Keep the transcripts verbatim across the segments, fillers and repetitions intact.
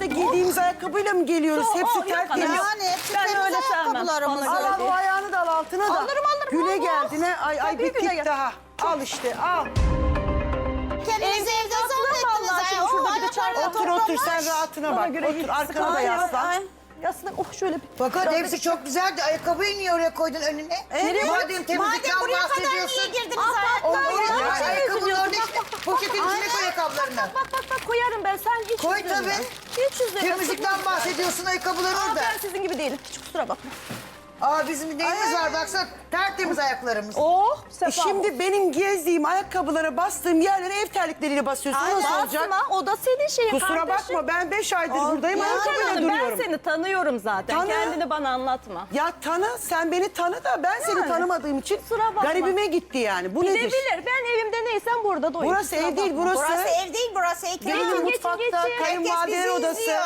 da giydiğimiz ayakkabıyla mı geliyoruz? Yok, Hepsi yok tertemiz. hanım, yok. Yani hepsi Ben temiz öyle sevmem. ayakkabılarımız. Bana Al göre al değil. o ayağını da al altına da. Alırım, alırım, Güle alırım. geldine. Ay ay Tabii, bir güle tik gel. daha. Al işte al. Kendinizi evde zannettiniz. vallahi şimdi ay, şurada o bir de çay ayaklarla Otur otur sen toplamış. rahatına Bana bak. göre Otur iyi. arkana da Ay, ay, yaslan. ay. Yaslan. Oh şöyle bir. Fakat Biraz hepsi çok güzeldi. Ayakkabıyı niye oraya koydun önüne? Evet. Madem Madem temizlikten buraya kadar bahsediyorsun. niye girdiniz O ayakkabıya? oraya Ya, ya, şey ayakkabının üzülüyorum. orada işte poşetin içine koy ayakkabılarını. Bak bak bak koyarım ben. Sen hiç Koy üzülme. tabii. Hiç üzülme. Temizlikten bahsediyorsun ayakkabılar Aa, orada. ben sizin gibi değilim. Hiç kusura bakma. Aa bizim neyimiz var baksana tertemiz ayaklarımız. Oh E şimdi benim gezdiğim ayakkabılara bastığım yerlere ev terlikleriyle basıyorsun. Nasıl olacak? Basma, o da senin şeyin Kusura kardeşim. bakma ben beş aydır buradayım Ya ayakkabıyla canım, ben duruyorum. seni tanıyorum zaten. Tanı. Kendini bana anlatma. Ya tanı sen beni tanı da ben seni Yani. tanımadığım için Kusura bakma. garibime gitti yani. Bu nedir? Gidebilir. Ben evimde neysem burada doyum. Burası Kusura ev değil bakma. burası. Burası ev değil, burası ekran. Gelinin geçin, mutfakta geçin. kayınvalideler Herkes bizi odası. izliyor.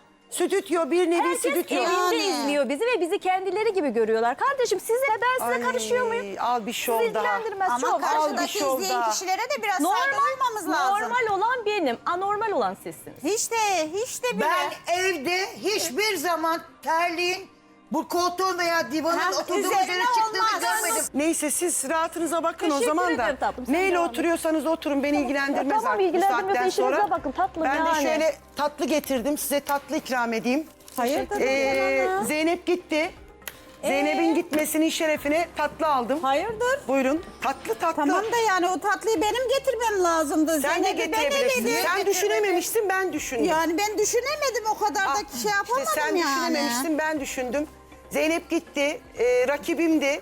Stüdyo bir nevi Herkes stüdyo. evinde Yani. izliyor bizi ve bizi kendileri gibi görüyorlar. Kardeşim size ben size Ay, karışıyor muyum? Al bir şov Sizi daha. ilgilendirmez. Ama Çok. karşıdaki bir şov izleyen daha. kişilere de biraz saygı Normal, duymamız lazım. normal olan benim, anormal olan sizsiniz. Hiç de, hiç de bile. Ben evde hiçbir zaman terliğin bu koltuğun veya divanın Ha, oturduğum üzerine üzerine çıktığını olmaz. görmedim. Neyse siz rahatınıza bakın o Teşekkür zaman da. ederim tatlım, sen Neyle devam et. oturuyorsanız oturun beni ilgilendirmez Ya tamam, artık bu ilgilendirmiyorsa saatten işinize sonra. bakın tatlım Ben yani. de şöyle tatlı getirdim size tatlı ikram edeyim. Hayırdır? Ee, Zeynep gitti. Zeynep'in gitmesinin şerefine tatlı aldım. Hayırdır? Buyurun tatlı tatlı. Tamam da yani o tatlıyı benim getirmem lazımdı. Sen de Zeynep'i ben getirebilirsin. eledim. Sen düşünememiştin ben düşündüm. Yani ben düşünemedim o kadar Ah, da şey yapamadım işte sen yani. düşünememiştin ben düşündüm. Zeynep gitti. e, rakibimdi.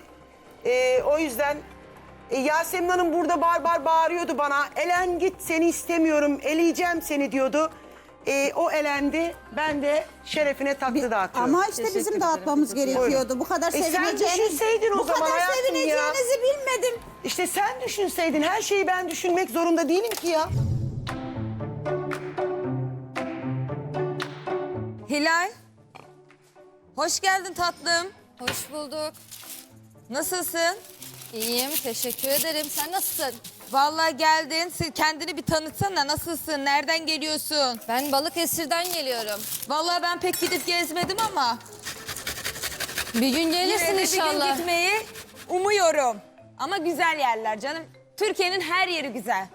E, o yüzden e, Yasemin Hanım burada bar bar bağırıyordu bana. Elen git seni istemiyorum eleyeceğim seni diyordu. E, o elendi. Ben de şerefine tatlı dağıtıyorum. Ama işte bizim dağıtmamız gerekiyordu. Bu kadar E sen sevineceğiniz, düşünseydin o bu zaman kadar hayatım ya. sevineceğinizi bilmedim. İşte sen düşünseydin her şeyi ben düşünmek zorunda değilim ki ya. Hilal. Hoş geldin tatlım. Hoş bulduk. Nasılsın? İyiyim, teşekkür ederim. Sen nasılsın? Vallahi geldin. Sen kendini bir tanıtsana. Nasılsın? Nereden geliyorsun? Ben Balıkesir'den geliyorum. Vallahi ben pek gidip gezmedim ama Bir gün gelirsin yine de inşallah. bir gün gitmeyi umuyorum. Ama güzel yerler canım. Türkiye'nin her yeri güzel.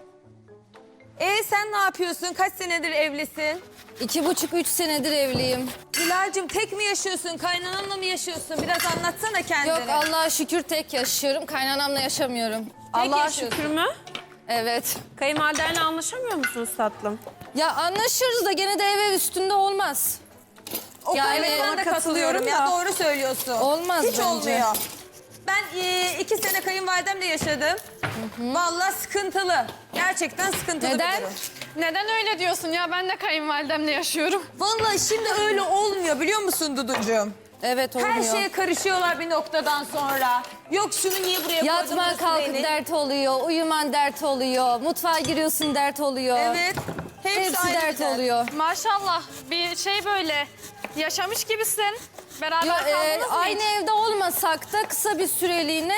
E sen ne yapıyorsun? Kaç senedir evlisin? İki buçuk, üç senedir evliyim. Hilal'cim tek mi yaşıyorsun? Kaynananla mı yaşıyorsun? Biraz anlatsana kendini. Yok Allah'a şükür tek yaşıyorum. Kaynanamla yaşamıyorum. Allah'a yaşıyorsun. şükür mü? Evet. Kayınvalidenle anlaşamıyor musunuz tatlım? Ya anlaşırız da gene de ev ev üstünde olmaz. O Yani konuda ben de ona katılıyorum ya. da. Doğru söylüyorsun. Olmaz Hiç bence. olmuyor. Ben e, iki sene kayınvalidemle yaşadım. Vallahi sıkıntılı. Gerçekten sıkıntılı Neden? bir durum. Neden öyle diyorsun ya? Ben de kayınvalidemle yaşıyorum. Vallahi şimdi öyle olmuyor biliyor musun Duducuğum? Evet olmuyor. Her şeye karışıyorlar bir noktadan sonra. Yok şunu niye buraya koydun? Yatman burası kalkıp benim. dert oluyor, uyuman dert oluyor, mutfağa giriyorsun dert oluyor. Evet. Hepsi, Hepsi aynı dert dert. oluyor. Maşallah bir şey böyle yaşamış gibisin. Beraber Yo, e, kaldınız mı aynı hiç? evde olmasak da kısa bir süreliğine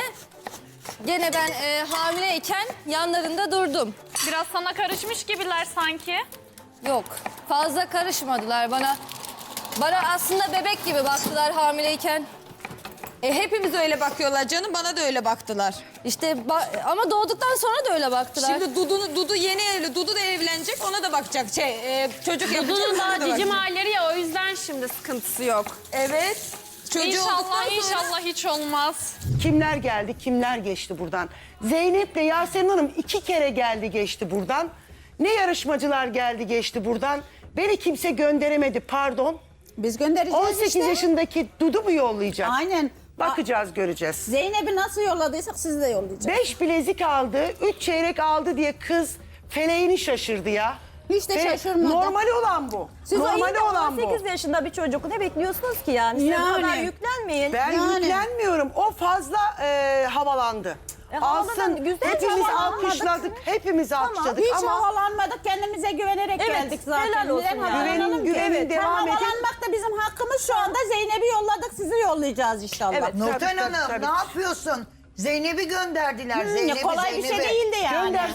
gene ben e, hamileyken yanlarında durdum. Biraz sana karışmış gibiler sanki. Yok fazla karışmadılar bana. Bana aslında bebek gibi baktılar hamileyken. E, hepimiz öyle bakıyorlar canım. Bana da öyle baktılar. İşte ba- ama doğduktan sonra da öyle baktılar. Şimdi Dudu, Dudu yeni evli. Dudu da evlenecek. Ona da bakacak. Şey, e, çocuk yapacak. Dudu'nun ona daha da cicim bakacak. halleri ya o yüzden şimdi sıkıntısı yok. Evet. Çocuğu olduktan İnşallah sonra- inşallah hiç olmaz. Kimler geldi, kimler geçti buradan? Zeynep'le Yasemin Hanım iki kere geldi geçti buradan. Ne yarışmacılar geldi geçti buradan. Beni kimse gönderemedi pardon. Biz göndereceğiz on sekiz işte. yaşındaki Dudu mu yollayacak? Aynen. Bakacağız göreceğiz. Zeynep'i nasıl yolladıysak sizi de yollayacağız. Beş bilezik aldı, üç çeyrek aldı diye kız feleğini şaşırdı ya. Hiç de Fe- şaşırmadım. Normali olan bu. Siz Normali o olan on bu. sekiz yaşında bir çocuk ne bekliyorsunuz ki yani? Siz bu Yani. kadar yüklenmeyin. Ben Yani. yüklenmiyorum. O fazla e, havalandı. E, havaladı, Alsın. güzel Hepimiz havalanmadık. alkışladık. Hepimiz alkışladık Hiç ama havalanmadık, kendimize güvenerek Evet, geldik zaten. helal olsun Neden ya. havalanalım Güvenin- ki? güvenin Evet, devam edin. havalanmak da bizim hakkımız şu anda. Zeynep'i yolladık, sizi yollayacağız inşallah. Evet. Nurten Tabii, tabii, Hanım tabii. ne yapıyorsun? Zeynep'i gönderdiler. Hmm, Zeynep'i, kolay bir şey Zeynep'i. değildi yani. göndersin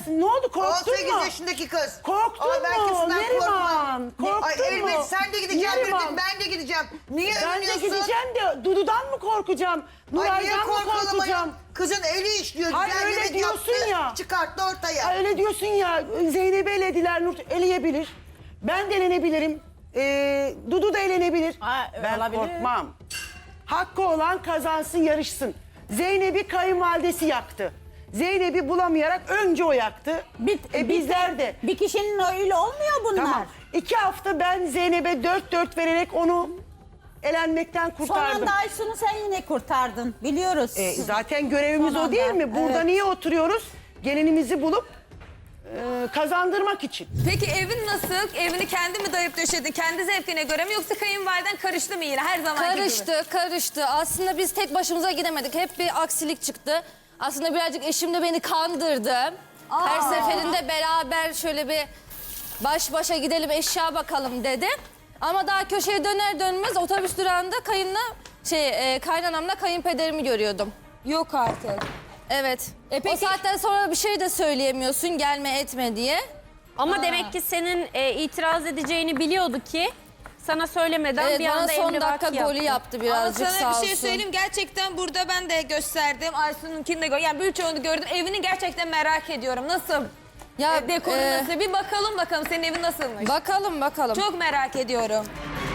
affedersin. Ne oldu? Korktun on sekiz mu? yaşındaki kız. Korktun Ama ben mu? kesinlikle Neriman, korkmam. korktun Ay, mu? elbet sen de gideceğim Neriman. dedim, ben de gideceğim. Niye Ben de övünüyorsun? gideceğim de Dudu'dan mı korkacağım? Ay niye Nuray'dan mı korkalım korkacağım? ayol? Kızın eli işliyor. Hayır, güzel öyle yemek diyorsun yaptı, ya. Çıkarttı ortaya. Ha, öyle diyorsun ya, Zeynep'i elediler, Nur eleyebilir. Ben de elenebilirim. Ee, Dudu da elenebilir. Ha, ben olabilir. korkmam. Hakkı olan kazansın, yarışsın. Zeynep'i kayınvalidesi yaktı. Zeynep'i bulamayarak önce o yaktı. Bir, e, bir- bizler de. Bir kişinin öyle olmuyor bunlar. Tamam. İki hafta ben Zeynep'e dört dört vererek onu elenmekten Son kurtardım. anda Aysun'u sen yine kurtardın. Biliyoruz. E, zaten görevimiz Son o değil anda, mi? Burada evet. niye oturuyoruz? Gelinimizi bulup e, kazandırmak için. Peki evin nasıl? Evini kendi mi dayıp döşedin? Kendi zevkine göre mi yoksa kayınvaliden karıştı mı yine her zamanki gibi? Karıştı, karıştı. Aslında biz tek başımıza gidemedik. Hep bir aksilik çıktı. Aslında birazcık eşim de beni kandırdı. Her seferinde beraber şöyle bir baş başa gidelim eşya bakalım dedi. Ama daha köşeye döner dönmez otobüs durağında kayınla şey e, kaynanamla kayınpederimi görüyordum. Yok artık. Evet. E O peki- saatten sonra bir şey de söyleyemiyorsun gelme etme diye. Ama demek ki senin e, itiraz edeceğini biliyordu ki sana söylemeden Evet, bir bana anda son dakika emrivaki golü yaptı. yaptı Ama birazcık sana sağ bir olsun. şey söyleyeyim. Gerçekten burada ben de gösterdim. Aysun'unkini de gördüm. Yani birçoğunu gördüm. Evini gerçekten merak ediyorum. Nasıl? Ya, E, dekoru e, nasıl? Bir bakalım bakalım senin evin nasılmış? Bakalım bakalım. Çok merak ediyorum.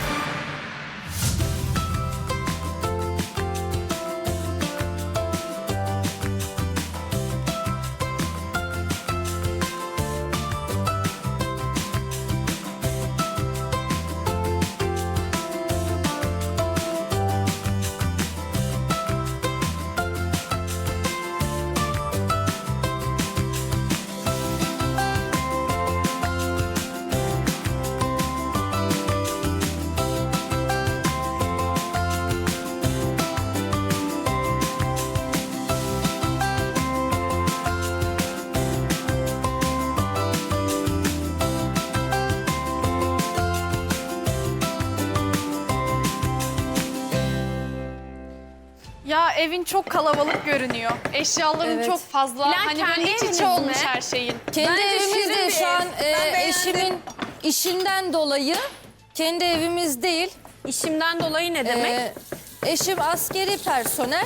Ya evin çok kalabalık görünüyor. Eşyaların Evet. çok fazla. Plan hani kendi böyle iç eviniz içe olmuş mi? her şeyin. Kendi Bence evimiz şirin de bir şu ev. an e, Ben beğendim. eşimin işinden dolayı kendi evimiz değil. İşimden dolayı ne demek? E, eşim askeri personel.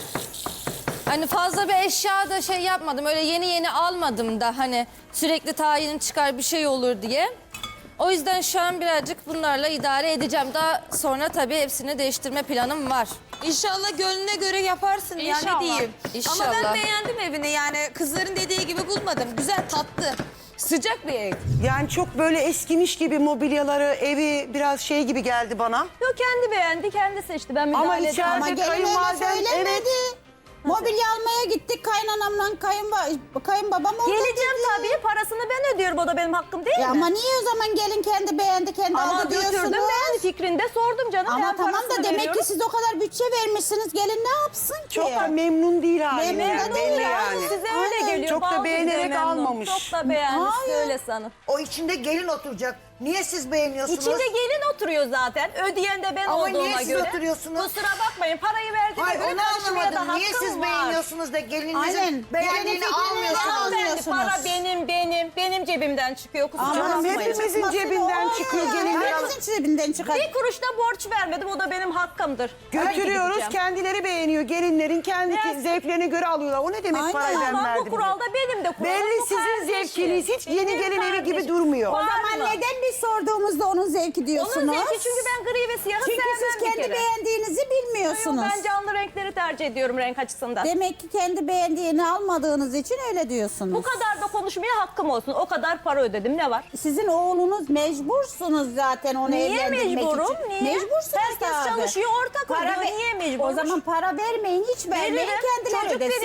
Hani fazla bir eşya da şey yapmadım. Öyle yeni yeni almadım da hani sürekli tayin çıkar bir şey olur diye. O yüzden şu an birazcık bunlarla idare edeceğim. Daha sonra tabii hepsini değiştirme planım var. İnşallah gönlüne göre yaparsın yani İnşallah. diyeyim. İnşallah. Ama ben beğendim evini yani kızların dediği gibi bulmadım. Güzel tatlı. Sıcak bir ev. Yani çok böyle eskimiş gibi mobilyaları, evi biraz şey gibi geldi bana. Yok kendi beğendi, kendi seçti. Ben Ama müdahale etmem. içeride Ama gelin öyle kayınvaliden söylemedi. evet. Mobilya almaya gittik kaynanamla kayınba kayınbabam orada Geleceğim dedi. tabii. Parasını ben ödüyorum. O da benim hakkım değil Ya mi? ama niye o zaman gelin kendi beğendi kendi Ama aldı götürdüm diyorsunuz? ben fikrinde sordum canım. Ama ben tamam da parasını demek veriyorum. ki siz o kadar bütçe vermişsiniz. Gelin ne yapsın ki? Çok da memnun değil halinden. Memnun da değil, belli aynen. yani. Size öyle Aynen. geliyor. Çok da bazı beğenerek bize memnun. almamış. Çok da beğendi. Hayır. Öyle sanın. O içinde gelin oturacak. Niye siz beğeniyorsunuz? İçinde gelin oturuyor zaten. Ödeyen de ben Ama olduğuma niye siz göre. oturuyorsunuz? Kusura bakmayın. Parayı verdiğime Hayır göre onu karışmaya da anlamadım. Niye hakkım siz var. beğeniyorsunuz da Aynen. gelininizin beğendiğini Gelinin fikrini almıyorsunuz? almıyor. Hanımefendi, para almıyorsunuz. benim benim. Benim cebimden çıkıyor. Kusura Ama bakmayın. hepimizin çıkması cebinden o. çıkıyor, gelinler al- Herkesin cebinden çıkar. Bir kuruş da borç vermedim. O da benim hakkımdır. Götürüyoruz, Öyle gideceğim. kendileri beğeniyor. Gelinlerin kendi Biraz- zevklerine göre alıyorlar. O ne demek Aynen. parayı ben Ama verdim? bu kuralda benim de kuralım. Belli bu sizin kardeşim. zevkiniz. Hiç yeni Benim gelin evi gibi kardeşim. durmuyor. O Var zaman mı? neden biz sorduğumuzda onun zevki diyorsunuz? Onun zevki çünkü ben gri ve siyahı Çünkü sevmem siz bir kendi kere. beğendiğinizi bilmiyorsunuz. Yok, ben canlı renkleri tercih ediyorum renk açısından. Demek ki kendi beğendiğini almadığınız için öyle diyorsunuz. Bu kadar da konuşmaya hakkım olsun. O kadar para ödedim. Ne var? Sizin oğlunuz mecbursunuz zaten onu Niye evlendirmek mecburum? için. Niye? Niye? Herkes çalışıyor, ortak ödüyor. ve- Niye mecburmuş? O zaman para vermeyin, hiç vermeyin, Veririm. kendileri Çocuk ödesin.